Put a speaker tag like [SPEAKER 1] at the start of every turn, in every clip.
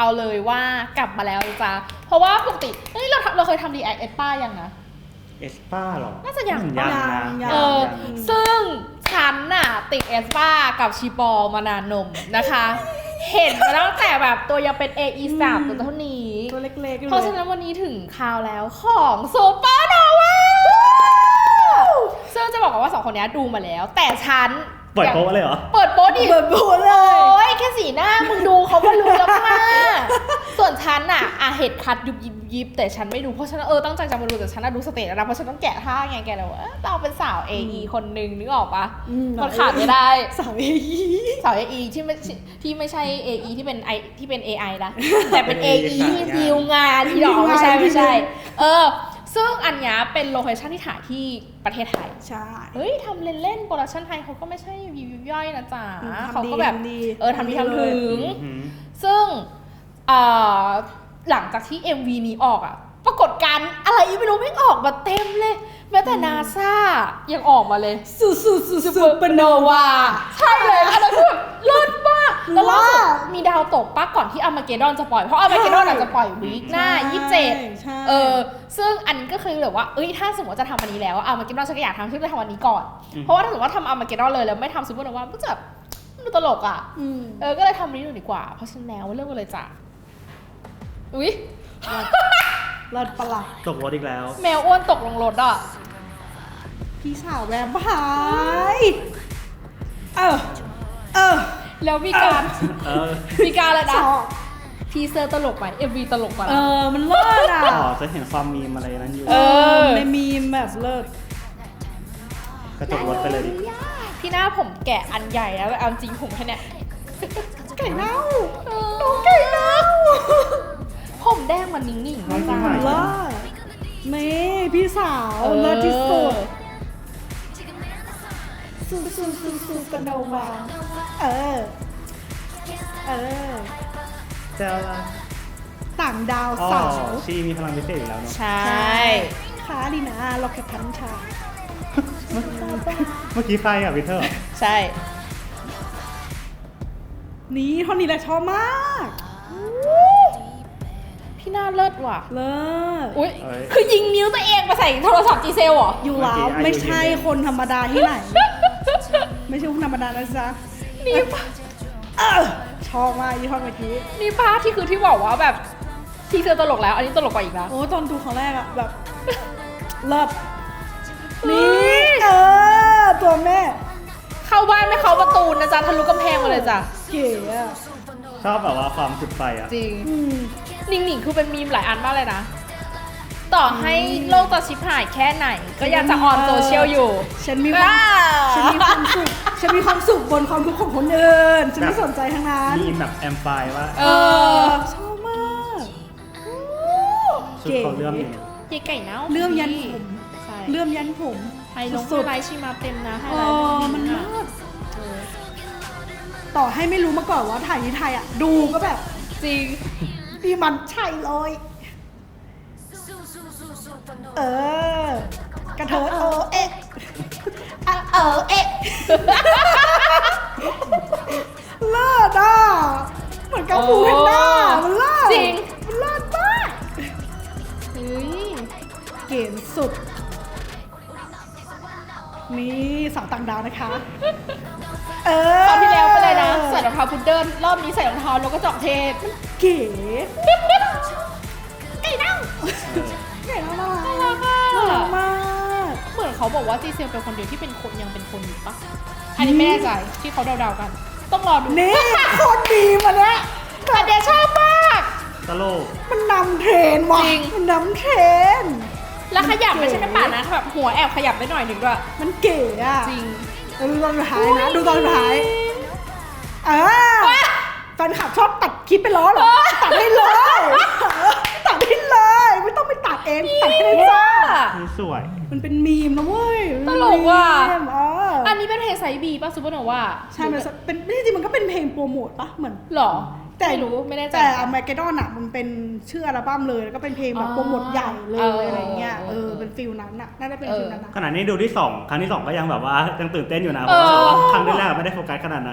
[SPEAKER 1] เอาเลยว่ากลับมาแล้วจ้าเพราะว่าปกติเฮ้ยเราเคยทำรีแอคเอสป้ายังนะ
[SPEAKER 2] เอสป้าหรอ
[SPEAKER 1] น่าจะยัง
[SPEAKER 2] นะ
[SPEAKER 1] ซึ่งฉันน่ะติดเอสป้ากับชีปอมานานนมนะคะ เห็นมาตั้งแต่แบบตัวยังเป็น AE3 ตัวเท่านี้
[SPEAKER 3] ตัวเล็กๆ
[SPEAKER 1] เพราะฉะนั้นวันนี้ถึงคราวแล้วของซูเปอร์โนวาซึ่งจะบอกว่า2คนนี้ดูมาแล้วแต่ฉัน
[SPEAKER 2] เปิดโป๊ะเลยเหรอ
[SPEAKER 1] เปิดโป๊ะดิ
[SPEAKER 3] เปิดโป๊ะเลย
[SPEAKER 1] โอ้ยแค่สีหน้ามึงดูเขาก็รู้แล้วค่ะส่วนฉันน่ะเห็ดคัดยุบยิบแต่ฉันไม่ดูเพราะฉันตั้งใจจะมาดูแต่ฉันดูสเตจแล้วนะเพราะฉันต้องแกะท่าไงแกแล้วเราเป็นสาว AE คนนึงนึกออกปะมันขาดไม่ได้
[SPEAKER 3] สาว AE
[SPEAKER 1] สาว AE ที่ไม่ใช่ AE ที่เป็น AI นะแต่เป็น AE ที่ดีลงานที่หรอไม่ใช่ซึ่งอันนี้เป็นโลเคชั่นที่ถ่ายที่ประเทศไทย
[SPEAKER 3] ใช่
[SPEAKER 1] เฮ้ยทำเล่นๆโปรดักชั่นไทยเขาก็ไม่ใช่ยิบย่อยนะจ๊ะเขาก็แบบทำดีทำถึงซึ่งหลังจากที่ MV นี้ออกปรากฏการณ์อะไรไม่รู้ไม่ออกมาเต็มเลยแม้แต่นาซายังออกมาเลย
[SPEAKER 3] ซูเปอร์โนวา
[SPEAKER 1] ใช่เลยอันนั้นคือแบบเลิศมากแล้วล่าสุดมีดาวตกก่อนที่อาร์มาเกดดอนจะปล่อยเพราะอาร์มาเกดดอนจะปล่อยวีคหน้า27ซึ่งอันนี้ก็คือแบบว่าถ้าสมมติจะทำอันนี้แล้วอาร์มาเกดดอนฉันก็อยากทำฉันจะทำอันนี้ก่อนเพราะว่าถ้าสมมติว่าทำอาร์มาเกดดอนเลยแล้วไม่ทำซูเปอร์โนวาก็จะแบบดูตลกก็เลยทำนี้ดูดีกว่าเพราะฉะนั้นแล้วเรื่องกันเลยจ้ะอุ๊ย
[SPEAKER 3] รถประหลาด
[SPEAKER 2] ตกรถอีกแล้ว
[SPEAKER 1] แมวอ้วนตกลงรถ
[SPEAKER 3] พี่สาวแวมไพร์
[SPEAKER 1] แล้วมีการอะไรนะทีเซอร์ตลกไหม MV ตลกป่ะ
[SPEAKER 3] มันเลิศ
[SPEAKER 2] จะเห็นความมีมอะไรนั้นอยู่
[SPEAKER 3] ในมีมแบบเลิศ
[SPEAKER 2] กระจกรถไปเลยดิ
[SPEAKER 1] ที่หน้าผมแกะอันใหญ่แล้วเอาจริงผมแค่เนี้ย
[SPEAKER 3] ไก่เน่า
[SPEAKER 1] น้องไก่เน่าผมแดงมันนิ่งๆนะจ๊ะ
[SPEAKER 3] เลิศนี่พี่สาวเลิศที่สุดซูกันโนวา
[SPEAKER 2] เจ้า
[SPEAKER 3] ต่างดาวสาว
[SPEAKER 2] ชีมีพลังพิเศษอยู่แล้วเนาะ
[SPEAKER 1] ใช่
[SPEAKER 3] ค่ะดีนะล็อกแคทพันชา
[SPEAKER 2] เมื่อกี้ใครวิเทอร์
[SPEAKER 1] ใช่
[SPEAKER 3] นี่ท่อนนี้แหละชอบมาก
[SPEAKER 1] พี่น่าเลิศว่ะ
[SPEAKER 3] เลิศ
[SPEAKER 1] อุ้ยคือยิงนิ้วตัวเองไปใส่โทรศัพท์จีเซลเหรอ
[SPEAKER 3] อยู่แล้วไม่ใช่คนธรรมดาที่ไหนไม่ใช่คนธรรมดานะจ๊ะ
[SPEAKER 1] นี่
[SPEAKER 3] ชอบมากยี่ห้อเมื่อกี้
[SPEAKER 1] นี่ป้าที่บอกว่าแบบทีเซอร์ตลกแล้วอันนี้ตลกกว่าอีกนะ
[SPEAKER 3] โอ้ตอนดูครั้งแรกแบบเลิศนี่ตัวแม่
[SPEAKER 1] เข้าบ้านไม่เข้าประตูนะจ๊ะทะลุกำแพงมาเลยจ้ะ
[SPEAKER 3] เก๋
[SPEAKER 2] ชอบแบบว่าความจุดไฟ
[SPEAKER 1] จริงหนิงคือเป็นมีมหลายอันมากเลยนะต่อให้โลกจะชิบหายแค่ไหนก็ยังจะออนโซเชียลอยู่
[SPEAKER 3] ฉันมีความสุขบนความทุกข์ของคนอื่นฉันไม่สนใจทั้งนั้น
[SPEAKER 2] มีแบบแอมไฟว่า
[SPEAKER 3] ชอบมาก
[SPEAKER 2] ชุดเขาเลื่อม
[SPEAKER 1] ไก่เน่า
[SPEAKER 3] เลื่อมยันผมเลื่อมยันผม
[SPEAKER 1] ไฮลงไลท์ชิมาเต็มนะไฮไล
[SPEAKER 3] ท์มันต่อให้ไม่รู้มาก่อนว่าถ่ายที่ไทยดูก็แบบ
[SPEAKER 1] จริง
[SPEAKER 3] พี่มันใช่เลยกระเทยเลิศเหมือนกับปูแพนด้ามันเลิศ
[SPEAKER 1] จริง
[SPEAKER 3] มันเลิศมากเก๋สุดนี่สาวต่างดาวนะคะ
[SPEAKER 1] ตอนที่แล้วไปเลยนะใส่รองเท้าพุดเดิ้ลรอบนี้ใส่รองเท้านกกระจอกเทศ
[SPEAKER 3] เก๋
[SPEAKER 1] ไก่เน่า
[SPEAKER 3] น่ารักมาก
[SPEAKER 1] เหมือนเขาบอกว่าจีเซลเป็นคนเดียวที่เป็นคนยังเป็นคนอยู่ปะอันนี้ไม่แน่ใจที่เขาเดาๆกันต้องรอดู
[SPEAKER 3] นี่คนดีมาเนี่ย
[SPEAKER 1] แต่เดี๋ยวชอบมาก
[SPEAKER 2] ตลก
[SPEAKER 3] มันนำเทรนว่ะมันนำเทรน
[SPEAKER 1] แล้วขยับไม่ใช่แค่ปากนะแบบหัวแอบขยับได้หน่อยหนึ่งด้วย
[SPEAKER 3] มันเก๋
[SPEAKER 1] จริง
[SPEAKER 3] ดูตอนสุดท้ายนะดูตอนสุดท้ายแฟนคลับชอบตัดคลิปไปล้อเหรอตัดได้เลยไม่ต้องไปตัดเองตัดให้ได้จ้า
[SPEAKER 2] สวย
[SPEAKER 3] มันเป็นมีมนะเว้ย
[SPEAKER 1] ตลกว่ะอันนี้เป็นเพลงไซบีป่ะซูเปอร์โนวา
[SPEAKER 3] ใช่มันเป็นจริงมันก็เป็นเพลงโปรโมทป่ะเหมือน
[SPEAKER 1] หรอแต่รู้ไม่แน่ใจ
[SPEAKER 3] แต่อาร์มาเกดดอนมันเป็นชื่ออัลบั้มเลยแล้วก็เป็นเพลงแบบโปรโมทใหญ่เลยอะไรเงี้ยเป็นฟิลนั้นน่าจะเป็นฟิลนั้น
[SPEAKER 2] ขนาดนี้ดูที่2ครั้งที่2ก็ยังแบบว่ายังตื่นเต้นอยู่นะเพราะว่าครั้งแรกไม่ได้โฟกัสขนาดนั้น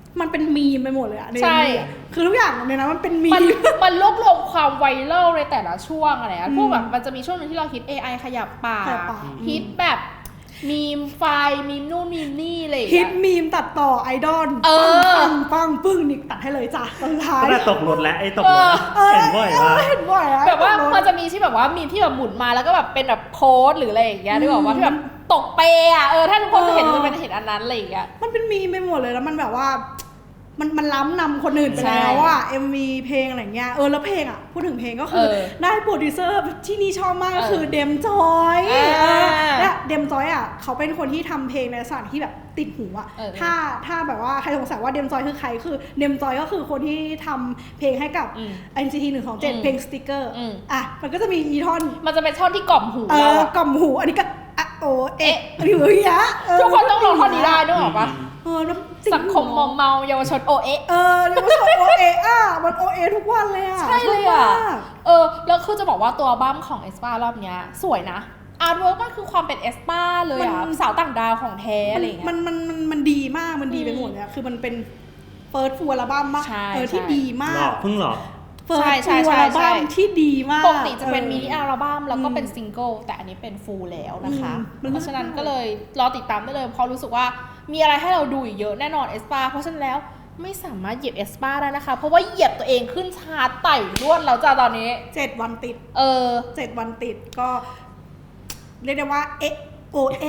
[SPEAKER 3] มันเป็นมีมไปหมดเลยอะใน
[SPEAKER 1] ใช่
[SPEAKER 3] MV อะคือทุกอย่างในนั้นมันเป็นมี
[SPEAKER 1] มัน
[SPEAKER 3] ม
[SPEAKER 1] มันรวบรวมความไวรัลในแต่ละช่วงอะไรพวกแบบมันจะมีช่วงนึงที่เราฮิต AI ขยับปาก
[SPEAKER 3] ขยับปาก
[SPEAKER 1] ฮิตแบบมีมไฟล์มีมนู่นมีมนี่อะไรอย่าง
[SPEAKER 3] ฮิ
[SPEAKER 1] เงี้
[SPEAKER 3] ต
[SPEAKER 1] ย
[SPEAKER 3] มีมตัดต่อไอดอล
[SPEAKER 1] เออ
[SPEAKER 3] ปังปึ้งนี่ตัดให้เลยจ้ะตอนท้าย
[SPEAKER 2] ก็ได้ตกรถแล้วไอ้ตกรถอะเห็นบ่อยว่า
[SPEAKER 3] เห็นบ่อยอะ
[SPEAKER 1] แบบว่ามันจะมีที่แบบว่ามีที่แบบหมุนมาแล้วก็แบบเป็นแบบโพสหรืออะไรอย่างเงี้ยนึกออกว่าที่แบบตกเปอะถ้าทุกคนจะเห็นจะเป็นเห็นอันนั้นอะไรอย่างเงี้ย
[SPEAKER 3] มันเป็นมีมไปหมดเลยแล้วมันแบบว่ามันล้ำนำคนอื่นไป
[SPEAKER 1] ใช่
[SPEAKER 3] แล้วอะ MV เพลงอะไรเงี้ยแล้วเพลงอะพูดถึงเพลงก็คือได้โปรดิวเซอร์ที่นี่ชอบมากก็คือเดมจอยและเดมจอยอะเขาเป็นคนที่ทำเพลงในลักษณะที่แบบติดหูอะถ้าแบบว่าใครสงสัยว่าเดมจอยคือใครคือเดมจอยก็คือคนที่ทำเพลงให้กับ NCT 127เพลงสติ๊กเกอร์มันก็จะมีอีท่อน
[SPEAKER 1] มันจะเป็นท่อนที่กล่อมหูเราอะ
[SPEAKER 3] กล่อมหูอันนี้ก็โอเอะหรืออย่างเงี้ย
[SPEAKER 1] ทุกคนต้องลองท่อนนี้ได้นึกออกปะ
[SPEAKER 3] แล้ว
[SPEAKER 1] สังคมมอมเมาเยาวชนโอเอะ
[SPEAKER 3] เดี๋ยวมันโอเอะมันโอเอทุกวันเลยอะ
[SPEAKER 1] ใช่เลยอะ
[SPEAKER 3] ชบมาก
[SPEAKER 1] แล้วคือจะบอกว่าตัวอัลบั้มของเอสปารอบเนี้ยสวยนะอาร์ตเวิร์กมันคือความเป็นเอสปาเลยอะสาวต่างดาวของแท้อะไรอย่างเงี้ย
[SPEAKER 3] มันดีมากมันดีไปหมดเลยอะคือมันเป็นเฟิร์สฟูลอัลบั้มมาก
[SPEAKER 1] ใช่
[SPEAKER 3] ที่ดีมา
[SPEAKER 2] หลอก กเพิ่งหลอก
[SPEAKER 3] เฟิร์ส
[SPEAKER 1] ใช่
[SPEAKER 3] ฟูล
[SPEAKER 1] ใช่
[SPEAKER 3] อัล
[SPEAKER 1] ใช่
[SPEAKER 3] บั้มที่ดีมาก
[SPEAKER 1] ปกติจะเป็นมินิอัลบั้มแล้วก็เป็นซิงเกิลแต่อันนี้เป็นฟูลแล้วนะคะ เพราะฉะนั้นก็เลยรอติดตามได้เลยเพราะรู้สึกว่ามีอะไรให้เราดูอีกเยอะแน่นอนเอสปาเพราะฉะนั้นแล้วไม่สามารถเหยียบเอสปาได้นะคะเพราะว่าเหยียบตัวเองขึ้นชาร์ตไต่รวดแล้วจ้าตอนนี้
[SPEAKER 3] 7 วันติด 7 วันติดก็เรียกได้ว่าโอเอะ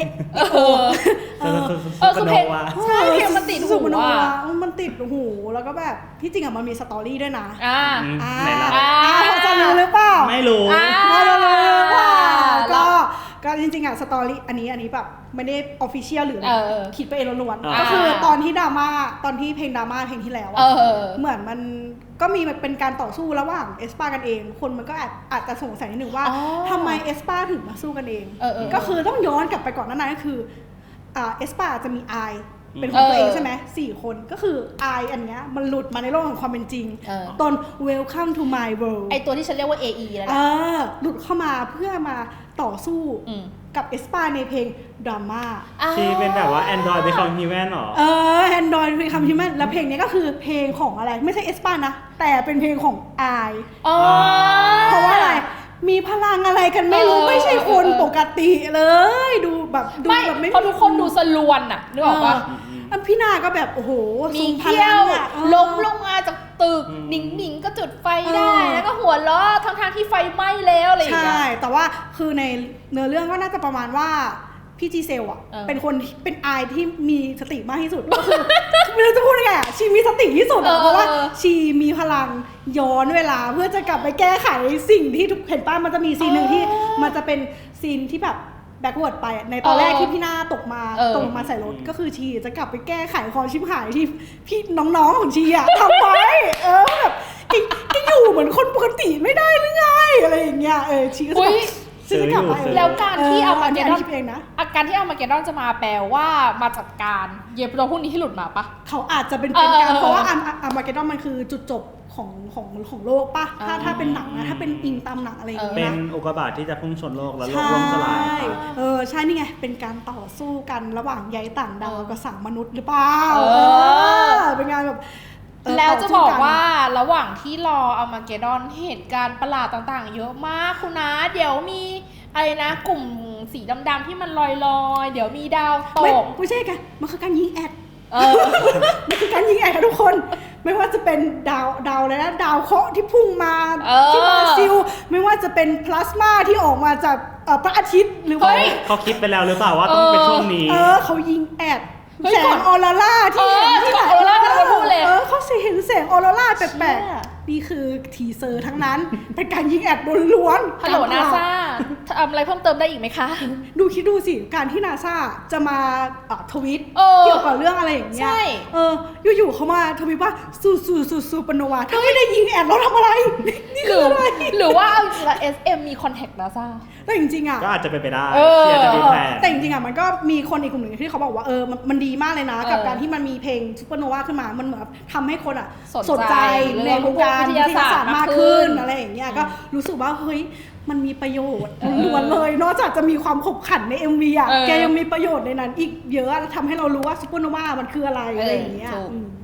[SPEAKER 1] คือเพลงใช่เพลงมันติดหู
[SPEAKER 3] สุมโน
[SPEAKER 1] อ่ะ
[SPEAKER 3] วามันติดหูแล้วก็แบบที่จริงอะมันมีสตอรี่ด้วยนะ
[SPEAKER 2] ไหนล่ะ
[SPEAKER 3] พอจะรู้หรือเปล่า
[SPEAKER 2] ไม่รู้
[SPEAKER 3] ไม่รู้หรือเปล่า
[SPEAKER 1] แล้
[SPEAKER 3] ก็
[SPEAKER 1] ว
[SPEAKER 3] จริงๆอะสตอรี่อันนี้แบบไม่ได้ออฟฟิเชียลหรืออะไร คิดไปเองล้วน
[SPEAKER 2] อ่า
[SPEAKER 3] ๆก็คือตอนที่ดราม่าตอนที่เพลงดราม่าเพลงที่แล้วอะเหมือนมันก็มีเป็นการต่อสู้ระหว่างเอสปากันเอง คนมันก็อาจจะสงสัยนิดนึงว่าทำไมเอสปาถึงมาสู้กันเอง ก็คือต้องย้อนกลับไปก่อนหน้านั้นก็คือเอสปาจะมีไอเป็นของตัวเองใช่ไหม4 คนก็คือไออันเนี้ยมันหลุดมาในโลกของความเป็นจริงตอน Welcome to my world
[SPEAKER 1] ไอตัวที่ฉันเรียกว่า AE แล้วนะ
[SPEAKER 3] หลุดเข้ามาเพื่อมาต่อสู้กับเอสปาในเพลงดราม่า
[SPEAKER 2] ที่เป็นแบบว่า Android Become Human หรอ
[SPEAKER 3] Android Become Human แล้วเพลงนี้ก็คือเพลงของอะไรไม่ใช่เอสปานะแต่เป็นเพลงของไอเพราะว่าอะไรมีพลังอะไรกันไม่รู้ไม่ใช่คนปกติเลยดูแบบไม่
[SPEAKER 1] เพราะทุกคนดูสลวนอะนึกออกปะ
[SPEAKER 3] พี่นาก็แบบโอ้โห
[SPEAKER 1] มีเขี้ยวล้มลงมาจากตึกหนิงก็จุดไฟได้แล้วก็หัวเราะทั้งที่ไฟไหม้แล้วอะไรอย่างเงี้ย
[SPEAKER 3] ใช่แต่ว่าคือในเนื้อเรื่องก็น่าจะประมาณว่าพี่จีเซลอะเป็นคนเป็นไอที่มีสติมากที่สุดก็คือ ไม่รู้จะพูดยังไงอะชีมีสติที่สุดเพราะว่าชีมีพลังย้อนเวลาเพื่อจะกลับไปแก้ไขสิ่งที่ทุกเห็นป้ามันจะมีซีนหนึ่งที่มันจะเป็นซีนที่แบบแบ็กเวิร์ดไปในตอนแรกที่พี่หน้าตกมาใส่รถก็คือชีจะกลับไปแก้ไขความชิบหายที่พี่น้องๆของชีอะทำไว้แบบแกอยู่เหมือนคนปกติไม่ได้หรือไงอะไรอย่างเงี้ยชีก็จะแบบจะกลับไป
[SPEAKER 1] แล้วการที่เอามาเกดอน
[SPEAKER 3] คิดเองนะ
[SPEAKER 1] การที่เอามาเกดอนจะมาแปลว่ามาจัดการเย็บตัวพวกนี้ให้หลุดมาปะ
[SPEAKER 3] เขาอาจจะเป็นการเพราะว่าอาร์มาเกดอนมันคือจุดจบของโลกปะถ้าเป็นหนังนะถ้าเป็นอิงตามหนังอะไรอย่างเงี้ย
[SPEAKER 2] เป็นอุกกาบาตที่จะพุ่งชนโลกแล้วโลกล่มสลาย
[SPEAKER 3] ใช่นี่ไงเป็นการต่อสู้กันระหว่างใยต่างดาวกับสังมนุษย์หรือเปล่าเป็นงานแบบ
[SPEAKER 1] แล้วจะบอกว่าระหว่างที่รอเอามาเกดอนเหตุการณ์ประหลาดต่างๆเยอะมากคุณนะเดี๋ยวมีอะไรนะกลุ่มสีดำๆที่มันลอยๆเดี๋ยวมีดาวตก
[SPEAKER 3] ไม่ใช่กันมันคือการยิงแอดมันคือการยิงแอดค่ะทุกคนไม่ว่าจะเป็นดาวอะไรนะดาวเคราะห์ที่พุ่งมาที่บราซิลไม่ว่าจะเป็นพลาสมาที่ออกมาจากพระอาทิตย์หรือว่า
[SPEAKER 2] เขาคิดไปแล้วหรือเปล่าว่าต้องเป็นช่วงนี้
[SPEAKER 3] เขายิงแอดแสงออโรราที่เห็นที่ไหน
[SPEAKER 1] ออโรรากันพูดเลย
[SPEAKER 3] เขาเห็นแสงออโรราแปลกๆนี่คือทีเซอร์ทั้งนั้นเป็นการยิงแอดล้วน
[SPEAKER 1] ฮัลโหลนาซาทำอะไรเพิ่มเติมได้อีกไหมคะ
[SPEAKER 3] คิดดูสิการที่นาซาจะมาทวิตเกี่ยวกับเรื่องอะไรอย่างเงี้ยอยู่ๆเขามาทวิตว่าซูปโนวาถ้าไม่ได้ยิงแอดเราทำอะไรนี่คืออะไร
[SPEAKER 1] หรือว่าเอาจริงๆ SM มีคอนแทคนาซา
[SPEAKER 3] แต่จริงๆอ่ะ
[SPEAKER 2] ก็อาจจะเป็นไปได้เชียร์จะมีแพลน
[SPEAKER 3] แต่จริงๆอ่ะมันก็มีคนอีกกลุ่มหนึ่งที่เขาบอกว่ามันดีมากเลยนะกับการที่มันมีเพลงซูเปอร์โนวาขึ้นมามันเหมือนทำให้คนอ่ะสนใจในวงการวิทยาศาสตร์มากขึ้นอะไรอย่างเงี้ยก็รู้สึกว่าเฮ้ยมันมีประโยชน์ล้วนเลยนอกจากจะมีความขบขันใน MV อ่ะแกยังมีประโยชน์ในนั้นอีกเยอะทำให้เรารู้ว่าซูเปอร์โนวามันคืออะไรอะไรอย่างเงี้ย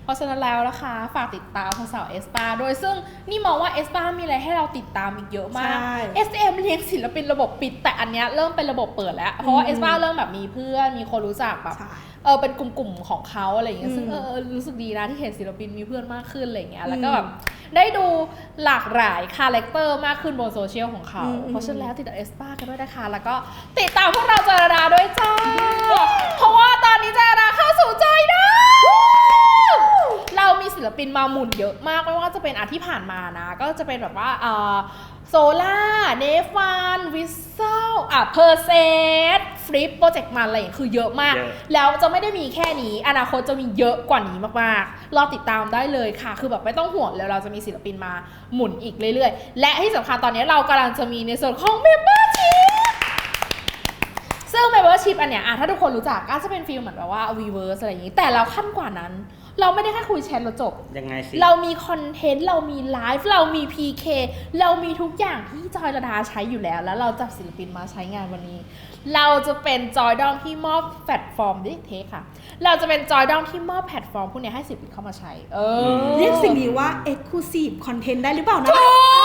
[SPEAKER 1] เพราะฉะนั้นแล้วนะคะฝากติดตามของสาวเอสปาโดยซึ่งนี่มองว่าเอสปามีอะไรให้เราติดตามอีกเยอะมาก SM เลี้ยงศิลปินระบบปิดแต่อันเนี้ยเริ่มเป็นระบบเปิดแล้วเพราะว่าเอสปาเริ่มแบบมีเพื่อนมีคนรู้จักแบบเป็นกลุ่มๆของเขาอะไรอย่างเงี้ยซึ่งรู้สึกดีนะที่เห็นศิลปินมีเพื่อนมากขึ้นอะไรอย่างเงี้ยแล้วก็แบบได้ดูหลากหลายคาแรคเตอร์มากขึ้นบนโซเชียลของเขาเพราะฉะนั้นแล้วติดตามเอสปากันด้วยนะคะแล้วก็ติดตามพวกเราจอยดาด้วยจ้าเพราะว่าตอนนี้จอยดาเข้าสู่จอยดาเรามีศิลปินมาหมุนเยอะมากไม่ว่าจะเป็นอาทิตย์ผ่านมานะก็จะเป็นแบบว่าโซล่าเนฟานวิสเซลเพอร์เซสฟลิปโปรเจกต์มันอะไรอย่างคือเยอะมากแล้วจะไม่ได้มีแค่นี้อนาคตจะมีเยอะกว่านี้มากๆรอติดตามได้เลยค่ะคือแบบไม่ต้องห่วงแล้วเราจะมีศิลปินมาหมุนอีกเรื่อยๆและที่สำคัญตอนนี้เรากำลังจะมีในส่วนของ Membership ซึ่ง Membership อันเนี้ยถ้าทุกคนรู้จักก็จะเป็นฟีลเหมือนแบบว่า Weverse อะไรอย่างนี้แต่เราขั้นกว่านั้นเราไม่ได้แค่คุยแชทแล้วจบ
[SPEAKER 2] ยังไงสิ
[SPEAKER 1] เรามีคอนเทนต์เรามีไลฟ์เรามี PK เรามีทุกอย่างที่จอยระดาใช้อยู่แล้วแล้วเราจับศิลปินมาใช้งานวันนี้เราจะเป็นจอยดอมที่มอบแพลตฟอร์มเทคค่ะเราจะเป็นจอยดอมที่มอบแพลตฟอร์มพวกนี้ให้ศิลปินเข้ามาใช้
[SPEAKER 3] เรียกสิ่งนี้ว่า Exclusive Content ได้หรือเปล่านะ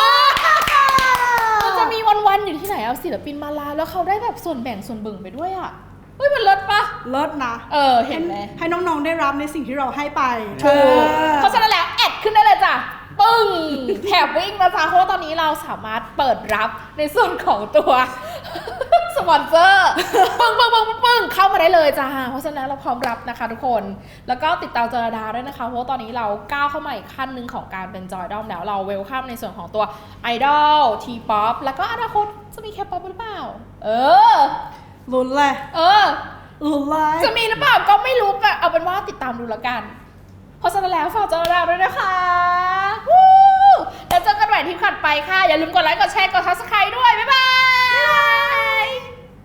[SPEAKER 1] มันจะมีวันๆอยู่ที่ไหนเอาศิลปินมาลาแล้วเขาได้แบบส่วนแบ่งส่วนเบิ่งไปด้วยอ่ะเฮ้ยมันเลิศปะ
[SPEAKER 3] เลิศนะ
[SPEAKER 1] เห็นไหม
[SPEAKER 3] ให้น้องๆได้รับในสิ่งที่เราให้ไป
[SPEAKER 1] ถูกเพราะฉะนั้นแล้วแอดขึ้นได้เลยจ้ะปึ้งแถบวิ่งนะจ๊ะเพราะว่าตอนนี้เราสามารถเปิดรับในส่วนของตัวสปอนเซอร์ปึ้งเข้ามาได้เลยจ้าเพราะฉะนั้นเราพร้อมรับนะคะทุกคนแล้วก็ติดตามจอยดาด้วยนะคะเพราะว่าตอนนี้เราก้าวเข้ามาอีกขั้นหนึ่งของการเป็นจอยดอมแล้วเราเวลคัมในส่วนของตัวไอดอลทีป๊อปแล้วก็อนาคตจะมีแคปป๊อปหรือเปล่า
[SPEAKER 3] ลุ้นเลยลุ้นเลย
[SPEAKER 1] จะมีหรือเปล่าก็ไม่รู้แต่เอาเป็นว่าติดตามดูแล้วกันเพราะฉะนั้นแล้วฝากจอยดาด้วยนะคะแล้วเจอกันใหม่ที่ถัดไปค่ะอย่าลืมกดไลค์กดแชร์กด Subscribe ด้วยบ๊ายบาย